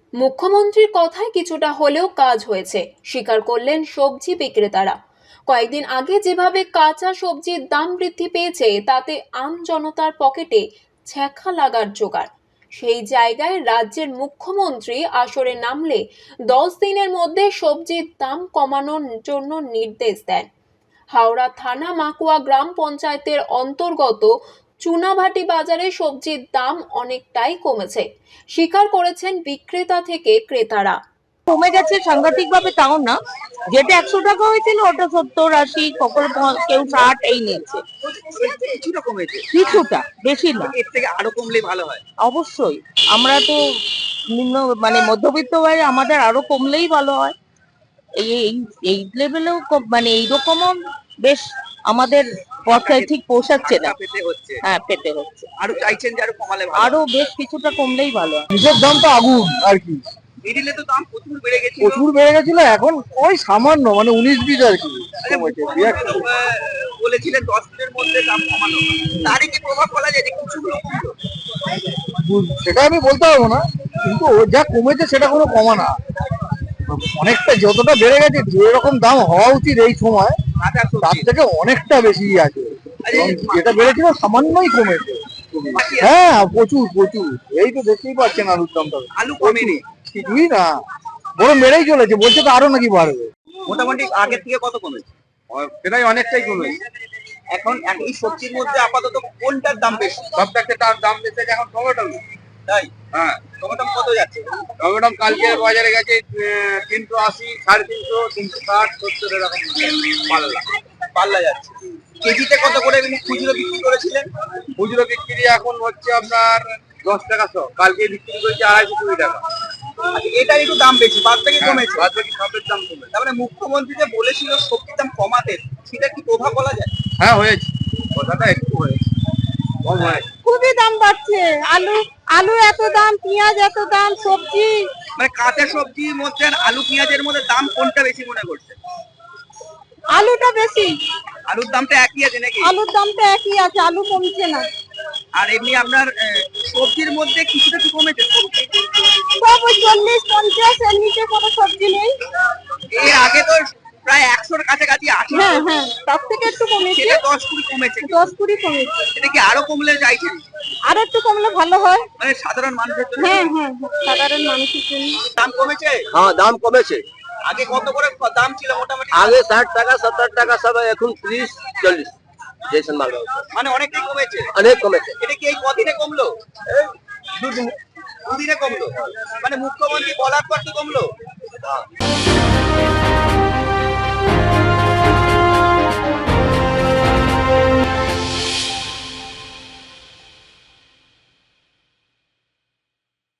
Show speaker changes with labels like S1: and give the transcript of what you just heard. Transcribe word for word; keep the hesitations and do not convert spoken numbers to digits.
S1: মুখ্যমন্ত্রীর কথায় কিছুটা হলেও কাজ হয়েছে, স্বীকার করলেন সবজি বিক্রেতারা। কয়েকদিন আগে যেভাবে কাঁচা সবজির দাম বৃদ্ধি পেয়েছে, তাতে আম জনতার পকেটে ছ্যাঁকা লাগার জোগাড়। সেই জায়গায় রাজ্যের মুখ্যমন্ত্রী আসরে নামলে দশ দিনের মধ্যে সবজির দাম কমানোর জন্য নির্দেশ দেন। হাওড়া থানা মাকুয়া গ্রাম পঞ্চায়েতের অন্তর্গত চুনাভাটি বাজারে সবজির দাম অনেকটাই কমেছে, স্বীকার করেছেন বিক্রেতা থেকে ক্রেতারা।
S2: কমে গেছে সাংঘাতিক ভাবে, তাও না, যেটা একশো টাকা হয়েছিল ওটা সত্তর আশি, কখনো কেউ ষাট এই নিচ্ছে।
S3: কিছুটা কমেছে,
S2: কিছুটা, বেশি না।
S3: এর থেকে আরো কমলে ভালো হয়।
S2: অবশ্যই, আমরা তো নিম্ন মানে মধ্যবিত্ত ভাই, আমাদের আরো কমলেই ভালো হয়। এই এই লেভেলেও মানে এইরকমও বেশ আমাদের পর্যায়ে ঠিক পৌঁছাচ্ছে না। হ্যাঁ, পেতে হচ্ছে।
S3: আরো চাইছেন যে আরো কমালে ভালো,
S2: আরো বেশ কিছুটা কমলেই ভালো হয়।
S4: নিজের দাম তো আগুন আর কি,
S3: মিডিলে তো দাম প্রচুর বেড়ে গেছিল,
S4: প্রচুর বেড়ে গেছিল। এখন ওই সামান্য মানে উনিশ বিশ আর কি কমেছে।
S3: বলেছিলেন দশ দিনের মধ্যে দাম কমানো, তারই কি প্রভাব বলা যায় যে কিছু কমলো?
S4: সেটা আমি বলতে পারবো না, কিন্তু ও যা কমেছে সেটা কোনো কমা না। অনেকটা যতটা বেড়ে গেছে, যেরকম দাম হওয়া উচিত এই সময় তার থেকে অনেকটা বেশি আছে। যেটা বেড়েছিল সামান্যই কমেছে। হ্যাঁ, প্রচুর প্রচুর। এই তো দেখতেই পাচ্ছেন আলুর দামটা,
S3: আলু কমেনি,
S4: কিছুই না, বরং বেড়েই চলেছে। বলছে তো আরো নাকি বাড়বে।
S3: মোটামুটি আগের থেকে কত কমেছে?
S4: সেটাই অনেকটাই কমেছে।
S3: এখন এই সবজির মধ্যে আপাতত কোনটার দাম বেশি?
S4: সব থেকে তার দাম বেশি এখন টমেটো।
S3: তাই?
S4: হ্যাঁ,
S3: টমেটো কত যাচ্ছে?
S4: টমেটো কালকে বাজারে গেছে তিনশো আশি, সাড়ে তিনশো, তিনশো ষাট, সত্তর এরকম
S3: পাল্লা পাল্লা যাচ্ছে। কেজিতে কত করে খুচরো বিক্রি করেছিলেন?
S4: খুচরো বিক্রি এখন হচ্ছে আপনার দশ টাকা শো। কালকে বিক্রি করেছে আড়াইশো কুড়ি টাকা।
S3: আচ্ছা, এটার একটু দাম বেশি, বাদ থেকে কমেছে।
S4: বাদ বাকি সবের দাম কমেছে।
S3: তার মানে মুখ্যমন্ত্রী যে বলেছিল সবজির দাম কমাতে, সেটা কি প্রভাব বলা যায়?
S4: হ্যাঁ, হয়েছে, কথাটা একটু হয়েছে, কম হয়েছে।
S2: খুবই দাম বাড়ছে। আলু আলু এত দাম, পেঁয়াজ এত দাম, সবজি
S3: মানে কাঁচা সবজির মধ্যে আর আলু পেঁয়াজের মধ্যে দাম কোনটা বেশি মনে করছে?
S2: আলুটা বেশি।
S3: আলুর দামটা একই আছে নাকি?
S2: আলুর দামটা একই আছে, আলু কমছে না।
S3: আর এমনি আপনার সবজির মধ্যে কিছুটা কি কমেছে?
S2: সব ওই চল্লিশ পঞ্চাশ এর নিচে কোনো সবজি নেই।
S3: এর আগে তো প্রায় একশোর কাছাকাছি আছে।
S2: হ্যাঁ হ্যাঁ, তার থেকে একটু কমেছে।
S3: সেটা দশ কুড়ি কমেছে।
S2: দশ কুড়ি কমেছে।
S3: এটা কি আরো কমলে চাইছেন?
S2: আর একটু কমলে ভালো হয়।
S3: মানে সাধারণ মানুষের জন্য?
S2: হ্যাঁ হ্যাঁ, সাধারণ মানুষের জন্য
S3: দাম কমেছে।
S4: হ্যাঁ, দাম কমেছে।
S3: আগে কত করে দাম ছিল মোটামুটি?
S4: আগে ষাট টাকা সত্তর টাকা সব, এখন ত্রিশ চল্লিশ জেসন মাল।
S3: মানে অনেকটাই কমেছে।
S4: অনেক কমেছে।
S3: এটা কি এই কদিনে কমলো? দুদিনে কমলো। মানে মুখ্যমন্ত্রী বলার পর কি কমলো?